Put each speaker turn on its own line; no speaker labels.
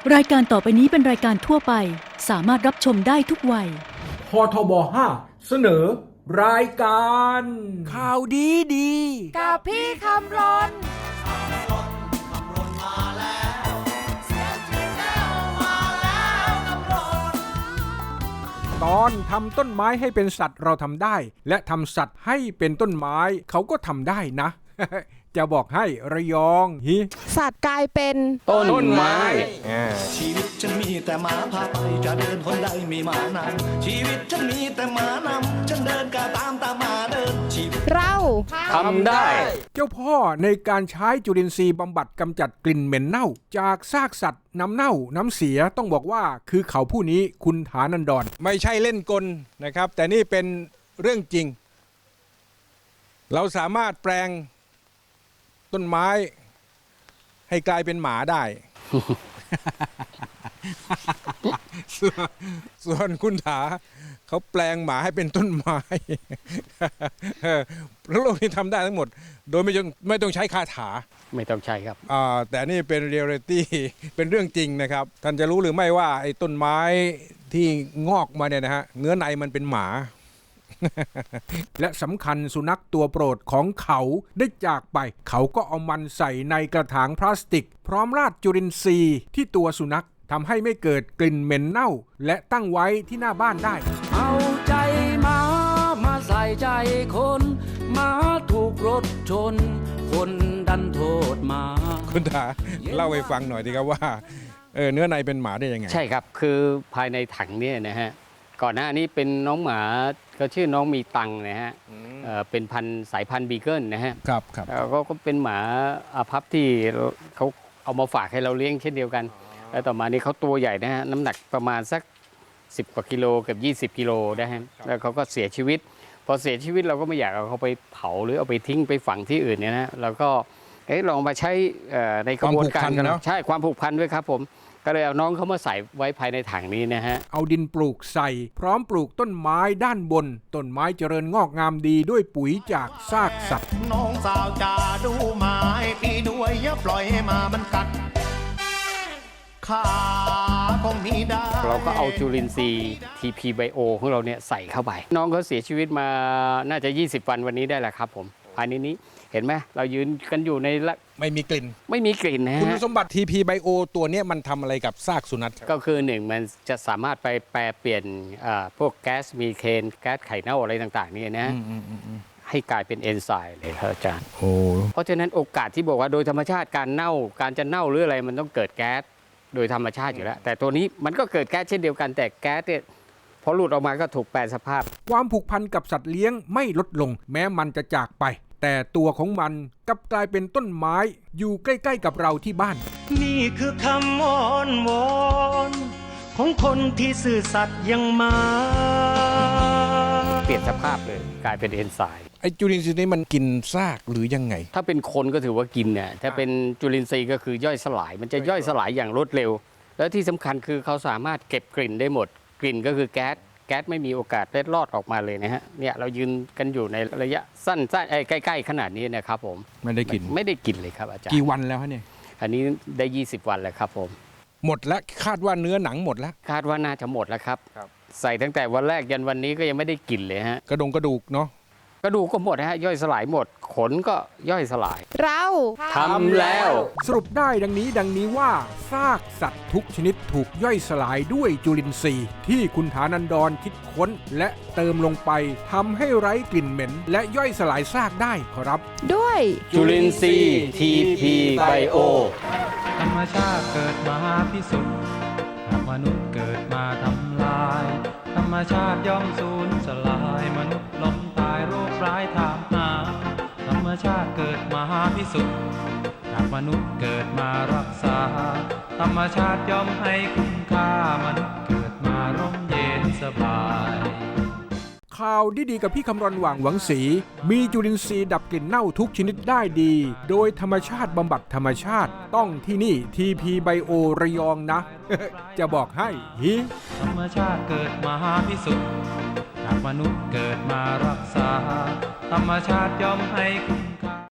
รายการต่อไปนี้เป็นรายการทั่วไปสามารถรับชมได้ทุกวัย
พทบ5เสนอ รายการ
ข่าวดี
กับพี่คำรน
ตอนทำต้นไม้ให้เป็นสัตว์เราทำได้และทำสัตว์ให้เป็นต้นไม้เขาก็ทำได้นะ จะบอกให้ระยอง
สัตว์กลายเป็น
ต้นไม้
ชีวิตฉันมีแต่หมาพาไปจะเดินคนใดมีหมานำชีวิตฉันมีแต่หมานำฉันเดินก็ตามหมาเดินชีวิต
เรา
ทำได้เจ้าพ่อในการใช้จุลินทรีย์บำบัดกำจัดกลิ่นเหม็นเน่าจากซากสัตว์น้ำเน่าน้ำเสียต้องบอกว่าคือเขาผู้นี้คุณฐานันดรไม่ใช่เล่นกลนะครับแต่นี่เป็นเรื่องจริงเราสามารถแปลงต้นไม้ให้กลายเป็นหมาได้ ส่วนคุณถาเขาแปลงหมาให้เป็นต้นไม้ แล้วโลกนี้ทำได้ทั้งหมดโดยไม่ต้องใช้คาถา
ไม่ต้องใช้ครับ
แต่นี่เป็นเรียลลิตี้เป็นเรื่องจริงนะครับท่านจะรู้หรือไม่ว่าไอ้ต้นไม้ที่งอกมาเนี่ยนะฮะเนื้อในมันเป็นหมา และสำคัญสุนัขตัวโปรดของเขาได้จากไปเขาก็เอามันใส่ในกระถางพลาสติกพร้อมราดจุลินทรีย์ที่ตัวสุนัขทำให้ไม่เกิดกลิ่นเหม็นเน่าและตั้งไว้ที่หน้าบ้านได้
เอาใจมาใส่ใจคนมาถูกรถชนคนดันโทษมา
คุณถาเล่าให้ฟังหน่อยดีครับว่าเนื้อในเป็นหมาได้ยังไง
ใช่ครับคือภายในถังเนี่ยนะฮะก่อนหน้านี้เป็นน้องหมาเขาชื่อน้องมีตังนะฮะเป็นสายพันธุ์บีเกิลนะฮะ
ครับ
ก็เป็นหมาอาภัพที่เขาเอามาฝากให้เราเลี้ยงเช่นเดียวกันแล้วต่อมานี้เขาตัวใหญ่นะฮะน้ำหนักประมาณสัก10 กว่ากิโลเกือบ20 กิโลนะฮะแล้วเขาก็เสียชีวิตพอเสียชีวิตเราก็ไม่อยากเอาเขาไปเผาหรือเอาไปทิ้งไปฝังที่อื่นเนี่ยนะเราก็ลองมาใช้ในกระบวนการกันใช่ความผูกพันด้วยครับผมก็เลยเอาน้องเขามาใส่ไว้ภายในถังนี้นะฮะ
เอาดินปลูกใส่พร้อมปลูกต้นไม้ด้านบนต้นไม้เจริญงอกงามดีด้วยปุ๋ยจากซากสัตว์
น้องสาวจะดูไม้ปีด้วยอย่าปล่อยให้มามันกัดขาคงมีได้
เราก็เอาจุลินทรีย์ TP Bio ของเราเนี่ยใส่เข้าไปน้องเขาเสียชีวิตมาน่าจะ20 วันวันนี้ได้แหละครับผมภายในนี้เห็นไหมเรายืนกันอยู่ใน
ไม่มีกลิ่น
นะฮะ
คุณสมบัติ TP Bio ตัวนี้มันทำอะไรกับซากสุนัข
ก็คือ1มันจะสามารถไปแปรเปลี่ยนพวกแก๊สมีเคนแก๊สไข่เน่าอะไรต่างๆนี่นะให้กลายเป็นเอนไซม์เลยครับอาจารย์เพราะฉะนั้นโอกาสที่บอกว่าโดยธรรมชาติการจะเน่าหรืออะไรมันต้องเกิดแก๊สโดยธรรมชาติอยู่แล้วแต่ตัวนี้มันก็เกิดแก๊สเช่นเดียวกันแต่แก๊สเนี่ยพอหลุดออกมาก็ถูกแปรสภาพ
ความผูกพันกับสัตว์เลี้ยงไม่ลดลงแม้มันจะจากไปแต่ตัวของมันกลับกลายเป็นต้นไม้อยู่ใกล้ๆกับเราที่บ้าน
นี่คือคำวอนวอนของคนที่ซื่อสัตย์ยังมา
เปลี่ยนสภาพเลยกลายเป็นเอนไซม์
ไอ้จุลินทรีย์นี้มันกินซากหรือยังไง
ถ้าเป็นคนก็ถือว่ากินเนี่ยถ้าเป็นจุลินทรีย์ก็คือย่อยสลายมันจะย่อยสลายอย่างรวดเร็วแล้วที่สำคัญคือเขาสามารถเก็บกลิ่นได้หมดกลิ่นก็คือแก๊สไม่มีโอกาสเล็ดลอดออกมาเลยนะฮะเนี่ยเรายืนกันอยู่ในระยะสั้นใกล้ๆขนาดนี้นะครับผม
ไม่ได้กิ
นเลยครับอาจารย์
กี่วันแล้วฮะเนี่ย
อันนี้ได้20 วันแล้วครับผม
หมดแล้วคาดว่าเนื้อหนังหมดแล้ว
คาดว่าน่าจะหมดแล้วครับใส่ตั้งแต่วันแรกยันวันนี้ก็ยังไม่ได้กินเลยฮะ
กระดูกเนาะ
กระดูกก็หมดฮะย่อยสลายหมดขนก็ย่อยสลาย
เรา
ทำแล้ว
สรุปได้ดังนี้ว่าซากสัตว์ทุกชนิดถูกย่อยสลายด้วยจุลินทรีย์ที่คุณฐานันดรคิดค้นและเติมลงไปทำให้ไร้กลิ่นเหม็นและย่อยสลายซากได้ครับ
ด้วย
จุลินทรีย์ TP Bio
ธรรมชาติเกิดมาพิสุทธิ์มนุษย์เกิดมาทำลายธรรมชาติย่อมสูญสลายมนุษย์ล้มตายโรคร้ายถามหาธรรมชาติเกิดมาพิสุทธิ์มนุษย์เกิดมารักษาธรรมชาติย่อมให้คุณค่ามนุษย์เกิดมาร่มเย็นสบาย
ข่าวดีๆกับพี่คำรณหว่างหวังศรีมีจุลินทรีย์ดับกลิ่นเน่าทุกชนิดได้ดีโดยธรรมชาติบำบัดธรรมชาติต้องที่นี่ TP Bio ระยองนะ จะบอกให้
ธรรมชาติเกิดมาพิสุทธิ์มนุษย์เกิดมารักษาธรรมชาติย่อมให้คุณ